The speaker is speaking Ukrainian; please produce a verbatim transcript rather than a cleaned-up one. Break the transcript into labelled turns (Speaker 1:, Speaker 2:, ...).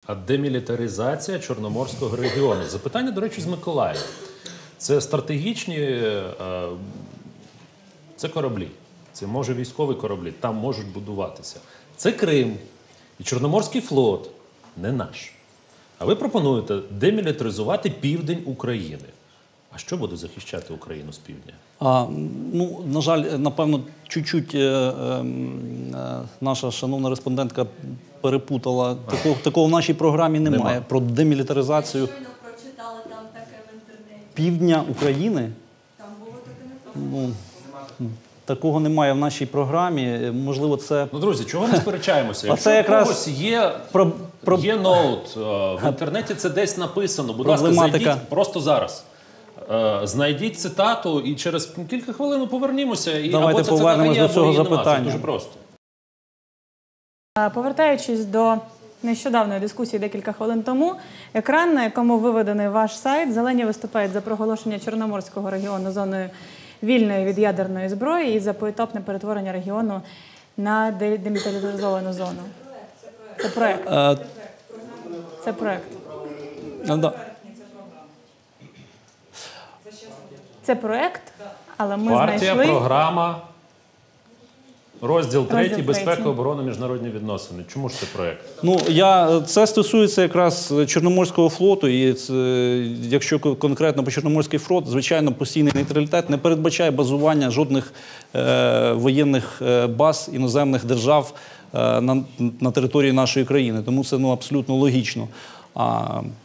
Speaker 1: А демілітаризація Чорноморського регіону. Запитання, до речі, з Миколаєва. Це стратегічні, це кораблі, це може військові кораблі, там можуть будуватися. Це Крим і Чорноморський флот, не наш. А ви пропонуєте демілітаризувати південь України. А що буде захищати Україну з півдня?
Speaker 2: А, ну, на жаль, напевно, чуть-чуть е, е, наша шановна респондентка перепутала. Такого, такого в нашій програмі немає.
Speaker 1: Нема.
Speaker 2: Про демілітаризацію
Speaker 3: Я щойно прочитала там таке в інтернеті.
Speaker 2: півдня України.
Speaker 3: Там було таке написано.
Speaker 2: Ну, такого немає в нашій програмі. Можливо, це...
Speaker 1: Ну, друзі, чого ми сперечаємося?
Speaker 2: А
Speaker 1: Якщо
Speaker 2: це якраз
Speaker 1: у когось є,
Speaker 2: про- про-
Speaker 1: є ноут, е, в інтернеті це десь написано. Будь ласка,
Speaker 2: Проблематика.
Speaker 1: зайдіть просто зараз. Е, Знайдіть цитату і через кілька хвилин ми повернімося. І
Speaker 2: Давайте
Speaker 1: або ця цитата
Speaker 2: повернемось
Speaker 1: є,
Speaker 2: до
Speaker 1: або
Speaker 2: цього
Speaker 1: її нема. Це
Speaker 2: запитання.
Speaker 1: дуже просто.
Speaker 4: Повертаючись до нещодавної дискусії декілька хвилин тому, екран, на якому виведений ваш сайт, зелені виступають за проголошення Чорноморського регіону зоною вільної від ядерної зброї і за поетапне перетворення регіону на демілітаризовану зону. Це проект.
Speaker 2: Е,
Speaker 4: Це проект.
Speaker 2: ну, да.
Speaker 4: Це проект, але ми
Speaker 1: Партія,
Speaker 4: знайшли...
Speaker 1: програма, розділ третій,
Speaker 4: третій.
Speaker 1: безпека, оборона, міжнародні відносини. Чому ж це проект?
Speaker 2: Ну, я, це стосується якраз Чорноморського флоту, і це, якщо конкретно по Чорноморський флот, звичайно, постійний нейтралітет не передбачає базування жодних е, воєнних баз іноземних держав е, на, на території нашої країни. Тому це ну, абсолютно логічно. А